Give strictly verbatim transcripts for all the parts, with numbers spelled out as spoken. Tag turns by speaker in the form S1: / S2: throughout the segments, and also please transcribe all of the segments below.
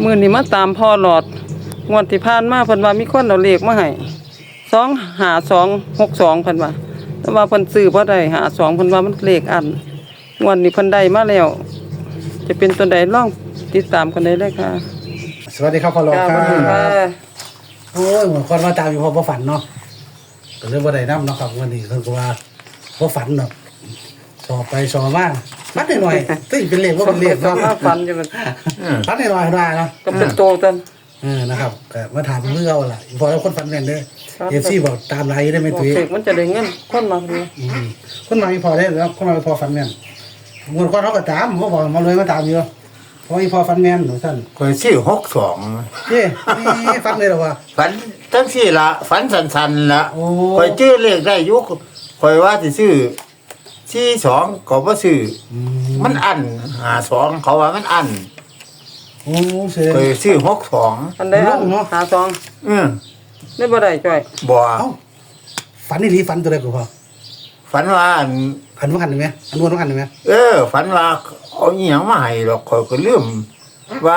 S1: มื้อนี้มาตามพ่อหลอดงวดที่ผ่านมาเพิ่นว่ามีคนเอาเลขมาให้สองห้าสองหกสองเพิ่นว่าแต่ว่าเพิ่นซื้อบ่ได้ห้าสองเพิ่นว่ามันเลขอันงวดนี้เพิ่นได้มาแล้วจะเป็นตัวใดลองติดตามกันได้เลยค่ะ
S2: สวัสดีครับพ่อหลอดครับ
S1: ค่ะ
S2: โอ้ยเหมือนคนมาตามอยู่พอบ่ฝันเนาะก็เลยบ่ได้นำเนาะครับวันนี้คือว่าบ่ฝันเนาะสอบไปสอบมาฝันหน่อยๆตึ้งเป็นเลขบ่เป็นเลข
S1: สอง
S2: เนาะ
S1: ห้าฟันอยู่มัน
S2: ฝันหน่อยๆได้เนาะ
S1: ก็เป็นโตตัน
S2: เออนะครับก็มาถามเรื่องเอาล่ะพอแล้วคนฝันแม่นเด้อ เอฟซีบอกตามไลน์ได้ไหมตุ้ย
S1: เด็กมันจะได้เงินคนมาดี
S2: อืมคนมามีพอได้แล้วคนมามีพอฝันแม่นมวนคนเขาก็ตามเขาบอกมาเลยมาตามอยู่เพราะมีพอฝันแม่นหนูท่าน
S3: คอยชื่อหกสอง
S2: เย้นี่ฝันเลยเหรอวะ
S3: ฝันทั้งสี่ละฝันสันๆละ
S2: โอ้
S3: คอยชื่อเลขได้อยุคคอยว่าจะซื้อสี่สองก็บ่ซื้อ
S2: อื
S3: มันอันหาสองเขาว่ามันอัน
S2: โอ้เสีย
S3: คอยซื้อหกสอง
S1: อันใดอันหาสอง
S3: อืม
S1: ได้บ่ได้จ้อย
S3: บ่
S2: เอ้าฝันนี่หลีฝันตัวใดกูพอ
S3: ฝันว่าอัน
S2: ฝันว่ากันไหมอันวนว่ากันไหม
S3: เออ ฝันว่าเอาอีหยังมาให้หรอกคอยก็ลืมว่า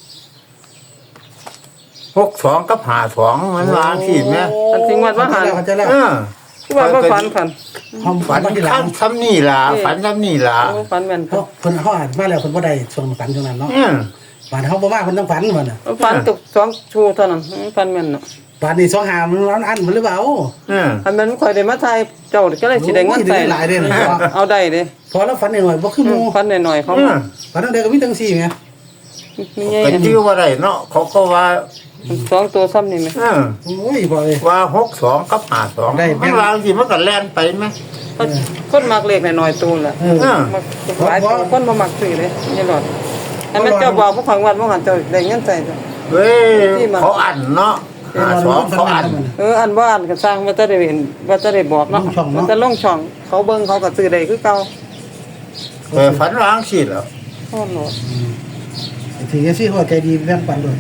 S3: หกสองกับหาสองมันวางสิแม่
S1: อันจริงว่าว่าหัน
S2: เขาใจแล้ว
S3: เออ
S1: คือว่าบ่ฝันคัน
S2: เขา
S3: ฝั
S2: ฝั
S3: น
S2: นมาที่หลั
S3: ข้าง งซ้ำนี่ล่ะฝันซ้ำนี่ล่ะ
S1: โอ้ฝันแม่น
S2: เขาเพิ่นเขาอ่านมาแล้วเพิ่นบ่ได้ส่งฝันตรงนั้นเนาะ
S3: อืม
S2: ฝันเขาบ่มาเพิ่นต้องฝันมันน่ะ
S1: ฝันตกสองชูเท่านั้นฝันแม่นเนาะ
S2: ฝันนี่สองหามันร้อนอันมันหรือเปล่า
S3: อืม
S1: อันนั้นข่อยได้มาทายเจ้าก็เลยสิได้เงินใส่
S2: โอ้ยได้หลายเด้อ
S1: เอาได้เด้
S2: พอแล้วฝันหน่อยบ่คือหมู่
S1: ฝันหน่อยๆเขา
S3: อืม
S2: ฝันตั้งแต่ก็มีตั้งสี่ไง
S1: มีไง
S3: ก็ชื่อว่าไรเนาะเขาก็ว่า
S1: สองตัวซ้ำนี่ไหม
S3: เออ
S2: โอ้ยพอเลย
S3: ว่าหกสองกับหาสอง
S2: ได้แม่
S3: มัน
S2: น
S3: วางสิมันก็แล่นไปไหม
S1: คนมักเลขหน่อยๆตัวแหละ
S2: เออ
S3: เออ
S1: มักหลายตัวคนบ่มักซื้อเลยนี่หลอดอันนั้นเจ้าบอกผู้ขังวันบ่หันเจ้าได้เงินใส่จ้ะ
S3: เว้ยเขาอันเนาะหาสองเขาอัน
S1: เอออันว่าอันก็สร้างว่าจะได้เห็นว่าจะได้บอกเนาะมันจะลงช่องเขาเบิ่งเขาก็ซื้อได้คือเก่า
S3: เออฝันวางสิเหรอ
S1: โอ้โห
S2: ถึงเอฟซีเขาใจดีแบ่งปันด้วย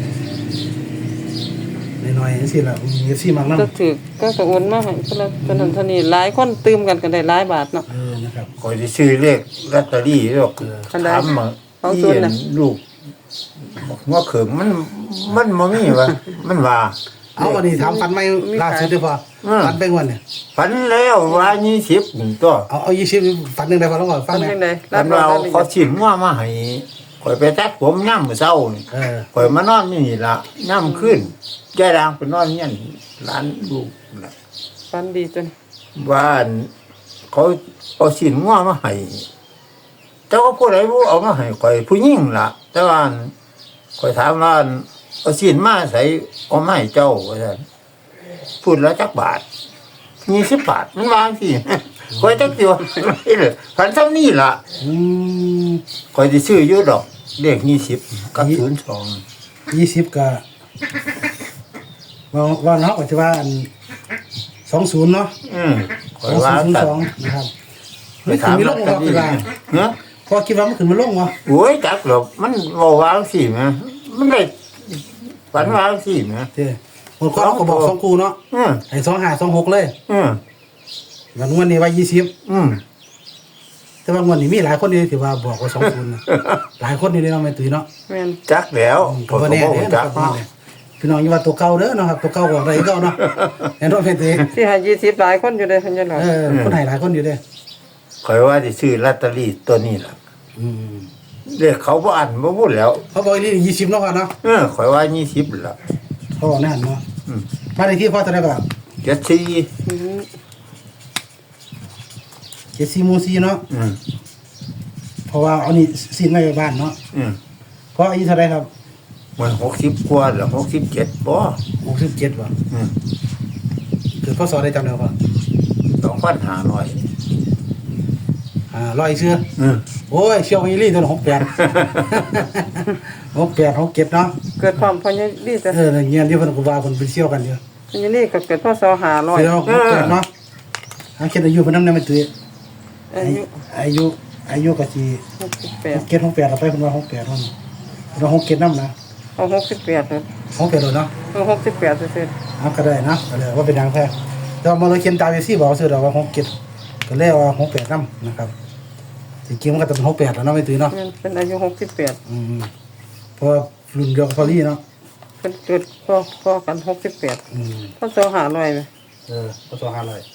S2: หน่อยๆสิล่ะเอฟซีมักน้ำ
S1: ก็ถือก็กระโอนมาให้เพิ่นละเท่านั้นเท่านี้หลายคนตื่มกันก็ได้หลายบาทเนาะ
S2: เออนะครับ
S3: คอยจะซื้อเลขลอตเตอรี่หรอก
S1: อันใด
S3: ถามมา
S1: ของ
S3: ที่
S1: ศูนย์น่ะ
S3: ลูกว่าเขิงมันมันบ่มีวะมันว่า
S2: เอาวันนี้ถามฟันไม่ล่าสุดด้วยพอฟันเป็นวันเนี่ย
S3: ฝันแล้วว่ายี่สิบตัว
S2: เอาเอายี่สิบฟันหนึ่งได้พอต้องก่อนฟั
S1: ฟั
S2: น
S1: น
S2: เนี่ย
S1: จังได๋
S3: ฝันเราเขาชิมว่ามาให้คอยไปตัดผมย่ำมื้อเช้านี่
S2: เออ
S3: ข่อยมานอนนี่ล่ะย่ำขึ้นแก่ดางไปนอนเงี้ยร้านลูกน่ะ
S1: ฟันดีจน
S3: ว่าอันเขาเอาสินงัวมาให้แต่ว่าผู้ใดผู้เอามาให้ข่อยผู้หญิงล่ะ แต่ว่าอันข่อยถามว่าอันเอาสินมาใส่เอามาให้เจ้าว่าซั่นพูดแล้วจักบาทยี่สิบบาทมันวางสิ ข่อยจักสิว่าพันซ้ำนี่ล่ะ
S2: อืม
S3: ข่อยสิซื้ออยู่ดอกเลขยี่สิบกับศูนย์สอง
S2: ยี่สิบก็ว่าว่าเนาะก็จะว่าอันสองศูนย์เนาะ
S3: อืมข่
S2: ส
S3: อ
S2: อย ง
S3: ว่า
S2: ศูนย์
S3: ตัด
S2: สองนะครับ
S3: ไป
S2: ไม่ถึ
S3: ถาง ม
S2: มีล
S3: ลอง ต
S2: วะ
S3: เตอรี่
S2: พี่ว่า
S3: เนาะ
S2: พอคิดว่ามันถึงมันลงวะ
S3: โอ้ยจักหรอกมันเว้าวางสิแม่มันได้ฝันวางสิแม่
S2: เจ้หมดก็เขาบอกสองคูเนาะ
S3: อืม
S2: ไอ้สองห้าสองหกเลย
S3: อืม
S2: วันวันนี้ว่ายี่สิบ
S3: อืม
S2: แต่ว่าวันนี้มีหลายคนที่ถือว่าบอกว่าสองศูนย์นะหลายคนอยู่ในน้องแม่ตุ้ยเนาะ
S1: แม่น
S3: จักแล้ว
S2: ก็บ่แน่
S3: ผม
S2: เด้
S3: ก็
S2: อ
S3: บ่จั
S2: นะ
S3: ก
S2: ครับ
S3: เนาะ
S2: พี่น้องอย่าว่าตัวเก่าเด้อเนาะครับตัวเก่าบอกอะไรเก่าเนาะแน่นอนแม่ตุ้ย
S1: สิให้ยี่สิบหลายคนอยู่เด้เพิ่นจะหลอด
S2: เออคนให้หลายคนอยู่เด้อ
S3: ข่อยว่าสิซื้อลอตเตอรี่ตัวนี้ล่ะ
S2: อืม
S3: เลขเขาบ่อันบ่พูดแล้ว
S2: เขาบอกนี่ยี่สิบเนาะก่อนเนาะ
S3: เออข่อยว่ายี่สิบล่ะ
S2: เขาบอกนั่นเนาะ
S3: อืม
S2: บ้านเลขที่พ่อเท่าไหร่ก่อน
S3: เจ็ดสี่
S1: อืม
S2: เจ็ดสี่หมู่สี่เนาะ
S3: อืม
S2: เพราะว่าเอานี่ซีนไว้บ้านเนาะ
S3: อืม
S2: เพราะอายุเท่าไหร่ครับ
S3: มันหกสิบกว่าหรือหกสิบเจ็ดบ่
S2: หกสิบเจ็ดว่ะ
S3: อืม
S2: เกิดพ่อสอนได้จำได้ป่ะ
S3: สองพันห้าร้อย
S2: อ่าร้อยเชื่อ
S3: อืม
S2: โอ้ยเชี่ยวอีลี่ตัวหกแปดหกแปดหกเจ็ดเนาะ
S1: เกิดความพญาดีแต่
S2: เออเงี้ยที่เพิ่นกูว่าเพิ่นไปเชี่ยวกันเยอะ
S1: พญานี่ก็เกิดพศห้าร้อย
S2: เดี๋ยวหกแปดเนาะอาเขียนอายุเพิ่นนำได้มั้ยตุ้ย
S1: อายุ
S2: อายุอายุก็สิ
S1: หกสิบแปด
S2: เจ็ดหกแปดเอาไปเพิ่นว่าหกแปดเนาะเราหกเจ็ดนำนะ
S1: เอาหกสิบแปดเลย
S2: หกแปดโดนเนาะ
S1: เอาหกสิบแปดเสร็จ
S2: เอาก็ได้นะก็เลยว่าเป็นทางแท้แต่ว่ามาเลยเขียนตามอยู่ซี่บอกซื้อดอกว่าหกเจ็ดก็เลยว่าหกแปดนำนะครับจริงๆมันก็ต้องเป็นหกแปดแล้วเนาะไม่ตื่นเนาะ
S1: มันเป็นอายุหกสิบแปด
S2: อืมเพราะรุ่นเดียวกับพอลี่เนาะ
S1: เพิ่นจุดพอพอกันหกสิบแปด
S2: อืม
S1: พอสอหาร้อยไหม
S2: เออพอสองห้าร้อย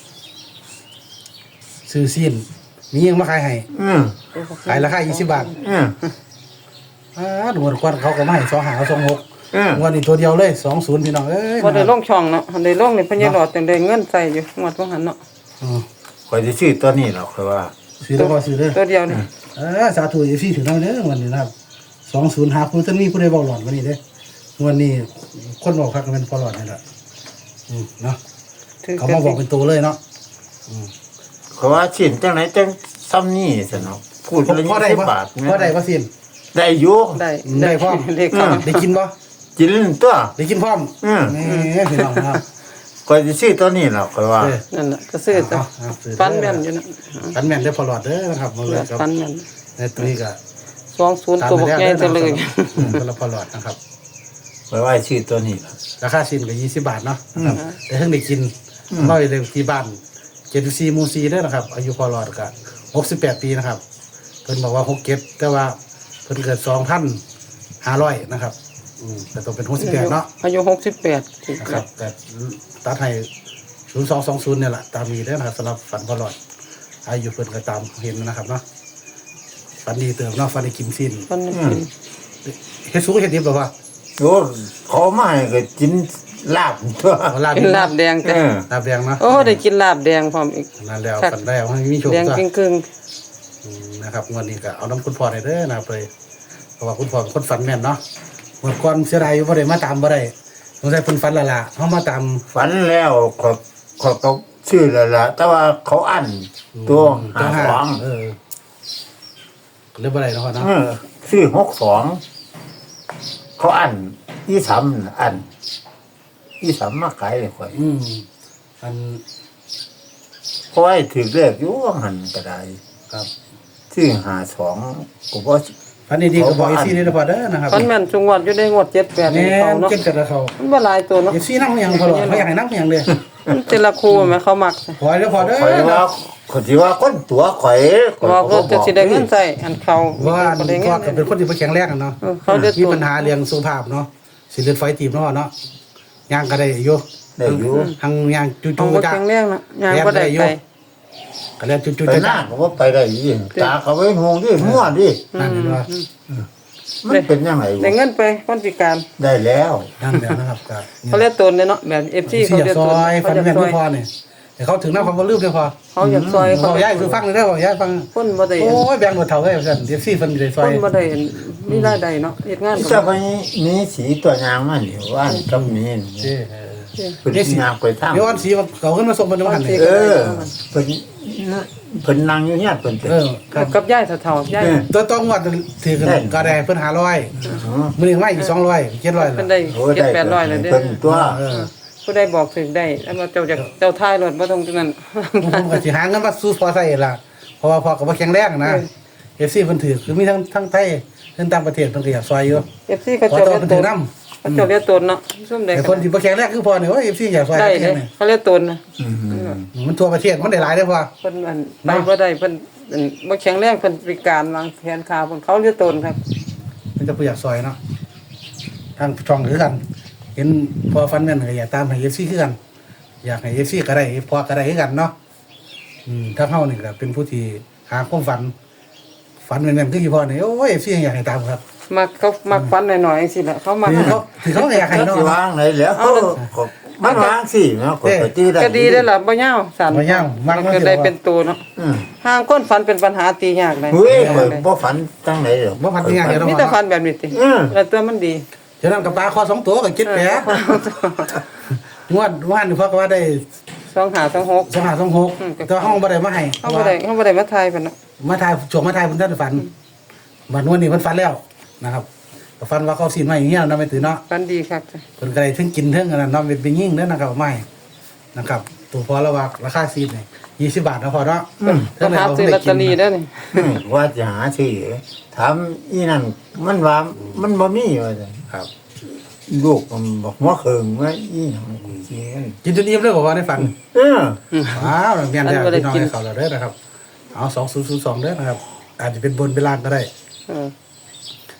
S2: ซื้อสิ้นมียังมาขายให้
S3: อืม
S2: ขายราคายี่สิบบาท
S3: อืม
S2: อ่าดูเหมือนควันเขาก็ไม่ให้สองหาสองหก
S3: อืม
S2: วันนี้ตัวเดียวเลยสองศูนย์พี่น้องเอ้ย
S1: บ่ได้ลงช่องเนาะหันได้ลงนี่เพิ่นยังรอดจังได้เงินใส่อยู่งวดบ่หันเนาะ
S2: อืม
S3: ข่อยสิซื้อตัวนี้หรอกคือว่า
S2: ซื้อแล้วพอซื้อเลย
S1: ตัวเดียวนี่
S2: เออสาธุเอฟซีถึงแล้วเด้อวันนี้นะครับสองศูนย์หาผู้ท่านมีผู้ใดบอกหลอนวันนี้เด้อวันนี้คนบอกคักเป็นพอหลอนนี่แหละอืมเนาะ
S1: ถือ
S2: เขามาบอกเป็นตัวเลยเนาะ
S3: เขาว่าชิ้นจังไหนจังซ้ำนี่ซะเนาะพูดละ
S2: พอได้
S3: ยี่สิบ
S2: ปะ
S3: บาท
S2: พอได้ปะสิน
S3: ได้อยู่
S1: ได้
S2: ได้พร้อม
S1: เลขเข้า
S2: ได้กินปะ
S3: กินตัว
S2: ได้กินพร้อม
S3: อืม
S2: นี่พี่น้องครับ
S3: ข่อยสิซื้อตัวนี้หรอกคือว่า
S2: เออ
S1: นั่นน่ะก็ซื้อจ้ะ
S2: เอาเอาซื้อ
S1: ฟันแม่นอยู่นะ
S2: ฟันแม่นได้อพอหลอดเด้อนะครับมาเลยครับ
S1: ฟันแม่น
S2: ในตัวนี้ก็
S1: สองศูนย์ตัวบักใหญ่จะเลย
S2: อืมคนละพอหลอดนะครับ
S3: ข่อยว่าซื้อตัวนี้ล่ะ
S2: ราคาสิ้นก็ยี่สิบบาทเนาะนะครับแต่เพิ่งได้กินร้อยเลยที่บ้านเจ็ดสี่มูซีได้อนะครับ อายุพอหลอดก็หกสิบแปดปีนะครับเพิ่นบอกว่าหกเก็บแต่ว่าเพิ่นเกิดสองพันห้าร้อยนะครับอืมแต่ต้องเป็นหกสิบแปดเนาะ
S1: อายุหกสิบแปด
S2: นะครับแต่ตัดให้ศูนย์สองสองศูนย์เนี่ยแหละตามมีได้อนะครับสำหรับฝันพอหลอดอายุเพิ่นก็ตามเห็นนะครับเนาะฝันดีเติมเนาะฝันได้กินสิ้น
S1: ฟันกิน
S2: เฮ็ดสุกเฮ็ดดิบหรอวะ
S3: โอ้เขามาให้ก็กินลาบตัว
S2: เอาลาบ
S1: กินลาบแดง
S3: เอ
S1: จ้ะ
S3: อ
S2: ลาบแดงเนาะ
S1: โอ้ได้กินลาบแดงพร้อมอีก
S2: นั่นแล้วฝันได้เอาให้มีโชค
S1: แดง
S2: จ้ะ
S1: ครึ่ง
S2: อืมนะครับงวันนี้ก็เอาน้ำคุณพ่อได้เด้อนะครับเลยเพราะว่าคุณพ่อเป็นคนฝันแม่นเนาะเมื่อก่อนเสียดายอยู่บ่ได้มาตามบ่ได้สงสัยเพิ่นฝันและล่ะเฮามาตาม
S3: ฝันแล้วขอขอก็ชื่อแล้วล่ะแต่ว่าเขาอั้นตัวหาสอง
S2: เออก็เลยบ่ได้เนาะพ่อเนาะ
S3: เออชื่อหกสองเขาอั้นยี่สามอั้นยี่สามมาขายเลยข่อย
S2: อืมอัน
S3: เพราะว่าให้ถือเลขอยู่ว่าหันก็ได้
S2: ครับ
S3: ชื่อหาสองก็บ่
S2: ฝันดีๆก็บอกอีซี่นี่เด้อพ่อเด้อนะครับ
S1: ๆฟันแม่นจุงวัดอยู่ได้งวดเจ็ดแปด
S2: แม่
S1: นี่เขา
S2: น
S1: เนาะ
S2: เก่งกันแล้วเขา
S1: มันบ่หลายตัวเนาะ
S2: อีซี่นำหยังพ่อหรอกเขาอยากให้นำหยังเด้อ
S1: มันแต่ละคู่แม่เขามักจ้ะ
S2: ขอให้เด้อพ่อเด้อ
S3: ข่อยว่าข่อยสิว่าคนตัวข่อยข่อย
S1: ว่า
S3: ก็
S1: ก็จะสิได้เงินใส่อันเขา
S2: ว่า
S1: บ่ได้เงิ
S2: พ่อน ก็เป็นคนที่บ่แข็งแรงอะเนาะ
S1: เออเขาเดือด
S2: มี
S1: ตัว
S2: ปัญหาเรื่องสุขภาพเนาะสิเลือดไฟตีบเนาะเนาะย่างก็ได้อยู่
S3: ได้อยู่
S2: หังย่างจุ
S1: เอา
S2: ๆ
S1: บ่
S2: จ้ะ
S1: แข็งแรงนะยางบ่ได้ไป
S2: ก็แล้วจุๆ
S3: ไปห
S2: จ้ะ
S3: น้าก็ว่าไปได้ยี่ตาเขาไว้งงดิมั่วดิ
S2: นั่นเห็นว่า
S3: มันเป็นยังไง
S1: ได้เงินไปคนพิการ
S3: ได้แล้ว
S2: นั่นแล้วนะครับก็
S1: เขาเรียกตนเนี่ยเนาะแบบ เอฟ ซี
S2: ที่
S1: เขา
S2: อยาก
S1: เรียก
S2: ซ
S1: ตน
S2: อยฟั
S1: เขา
S2: น
S1: อยาก
S2: แม่น
S1: ซอ
S2: ไม่
S1: ย
S2: พอเนี่ยแต่เขาถึงน้ำความลืมเลยพอ
S1: เขาอยากซอย
S2: บ
S1: เขา
S2: อกย้ายคือฟังเลยได้บอกย้ายฟัง
S1: คนบ่ได้
S2: โอ้ยแบ่งหมดเท่าเลยสั่นเดี๋ยวซี่ฟันได้ซ
S1: ค
S2: อย
S1: นบ่ได้มีรายได้เนาะเฮ็ดงาน
S3: จะไปมีสีตัวยางมันอยู่ว่านกับมีน
S2: เจ้
S3: เป็นยางไปทาง
S2: เดี๋ยววันสีเขาขึ้นมาส่งเป็นวันนี้
S3: เออเป็นเพิ่นนั่งอยู่เนี่ยเพิ่น
S2: เออครับ
S1: กับยายเฒ่าๆยาย
S2: ตัวต้องวัดถือกันก็ได้เพิ่นหาร้อยมือหนึ่งไม่อีกสองร้อยเจ็ดร้อย
S1: เพิ่นได้เจ็ดแปดร้อยแล้วเด้อ
S3: เพิ่นตัว
S2: เออ
S1: ผู้ใดบอกถึงได้แล้วมาเจ้าจากเจ้าท้ายรถบ่ต้องตรงนั้น
S2: ผมก็สิหาเงินมาสู้พอใส่ล่ะเพราะว่าพอกับว่าแข็งแรงนะเอฟซีเพิ่นถือคือมีทั้งทั้งไทยทั้งต่างประเทศเพิ่นก็อยากซอยอยู่
S1: เอฟซีเขา
S2: ขอ
S1: เจ้า
S2: ตัว
S1: เรียก
S2: เพิ่น
S1: ต
S2: ถือน น้ำ
S1: เขาเจ้าเรียกตนเนาะซุ่มได้
S2: แต่คนที่บ่แข็งแรงคือพอเนี่ยว่าเอฟซีอยากซอย
S1: ได้
S2: ได้
S1: เด้
S2: เนี่ย
S1: เขาเรียกตนนะ
S3: อืม
S2: มันทั่วประเทศมันได้หลายเด้อพอ
S1: เพิ่นอันไปบ่ได้เพิ่นอันบ่แข็งแรงเพิ่นพิการวางแขนขาเพิ่นเขาเรียกตนครับ
S2: มันจะผู้อยากซอยเนาะทางช่องคือกัน เห็นพอฟันแม่นก็อยากตามให้เอฟซีคือกัน อยากให้เอฟซีก็ได้พอก็ได้คือกันเนาะอืมถ้าเฮานี่ก็เป็นผู้ที่หาความฝัน ฝันแม่นๆคืออยู่พอนี่โอ้ยเอฟซีอยากให้ตามครับ
S1: มักเขามักฟันหน่อยๆจังซี่แหละเขามัก
S2: คือเขาคือเขาอยากให้
S3: ก็
S2: เนาะ
S3: สิวางไหนแล้วก็มันวางสิเนาะก็ไปตีได้
S1: ก็ดีได้อล่ะบ่ยาวสั่น
S2: บ่ยาวมัก
S1: มัน
S2: มัน
S1: ก็
S2: สิ
S1: ได้
S2: ว่า
S1: เป็นตัวเนาะ
S3: อืม
S1: ห่างคนฝันเป็นปัญหาตียากเลย
S3: เฮ้ยข่อยบ่ฝันจังไหนหรอก
S2: บ่ฝันยังไงเนาะ
S1: มีแต่ฝันแบบนี้ติ
S3: อืม
S1: แล้วตัวมันดี
S2: ฉะนั้นกับปลาคอสองตัวก็คิดแปะงวดว่านนี่เพราะว่าได้
S1: สองหาสองหก
S2: สองห้าสองหกแต่ห้องบ่ได้มาให้
S1: เขาบ่ได้เขาบ่ได้มาทายเพิ่นเนาะ
S2: มาถ่ายช่วงมาถ่ายเพิ่นท่านฝันบัดนวดนี่เพิ่นฝันแล้วนะครับก็ฝันว่าเขาสิมาอย่างเงี้ยนำไปตื่นเนาะ
S1: ฝันดีครับจ้ะ
S2: เพิ่นก็ได้ถึงกินถึงอันนั้นเนาะเป็นเป็นยิ่งเด้อนะครับไม่นะครับตัวพอระว่าราคาซีดนี่ยี่สิบบาทนะพอเนาะ
S1: ต้องหาซื้อลอตเตอรี่เด้อนี่
S3: อืมว่าจะหาซื้อถามอีนั่นมันว่ามันบ่มีว่าซั่น
S2: ครับ
S3: ลูกมันบอกว่าเคิงว่าอีหยังกูสิเงิน
S2: กินจนอิ่มเลยบอกว่าได้ฝัน
S3: เออ
S2: ว้าวเมียนแล้วพี่น้องให้เขาเราเด้อนะครับเอาสองศูนย์ศูนย์สองเด้อนะครับอาจจะเป็นบนเป็นล่างก็ได้
S1: เออ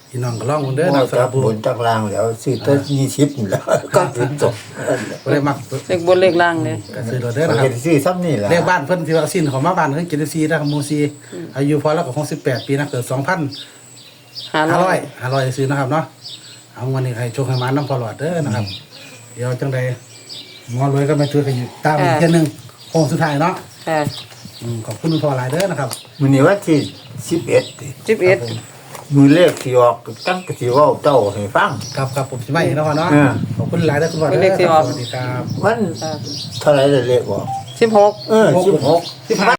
S2: พี่น้องก็ลองเบิ่งเด้อ
S3: บ่
S2: นะสำห
S3: จั
S2: รั
S3: บบ
S2: ผู้
S3: บนจักลางแล้วซื้อตัวยี่สิบนี่แหล้วก็ถึงจบ
S2: บ่ได้มัก
S1: เลขบนเลขล่างเลย
S2: ก็ซื้อโดดเด้อ
S3: เรา
S2: นะครั
S3: เห็
S2: บ
S3: นซื้อซ้ำนี่แหละ
S2: เลขบ้านเพิ่นที่ว่าสิ้นของมาบ้านเพิ่นเจ็ดสิบสี่นะครับหมู่สี่อายุพอแล้วก็หกสิบแปดปีนะเกิดสองพัน
S1: ห้า
S2: ห้า
S1: ร้
S2: ร้
S1: อ
S2: อย ยห้าร้อยซื้อนะครับเนาะเอาวันนี้ให้โชคให้มาน้ำพอหลอดเด้อนะครับ เดี๋ยวจังใดหมอรวยก็มาช่วยกันอยู่ตามอีกเที่ยหนึงโค้งสุดท้ายเนาะ
S1: ค่ะ
S2: อืมขอบคุณคุณพ่อหลายเด้อนะครับ
S3: มื้อนี้วันที่สิบเอ็ดติ
S1: สิบเอ็ด
S3: มือเลขที่ออกตั้งก็สิเว้าเจ้าให้ฟัง
S2: ครับครับผมสิมาอีกแล้วเนาะ
S3: เออ
S2: ขอบคุณหลายเด้อคุณพ่อเด้อสวัสดีครับ
S3: วันเท่าไหร่เลยเลขออก
S1: สิบหก
S3: เออสิบหก
S2: สิบห้า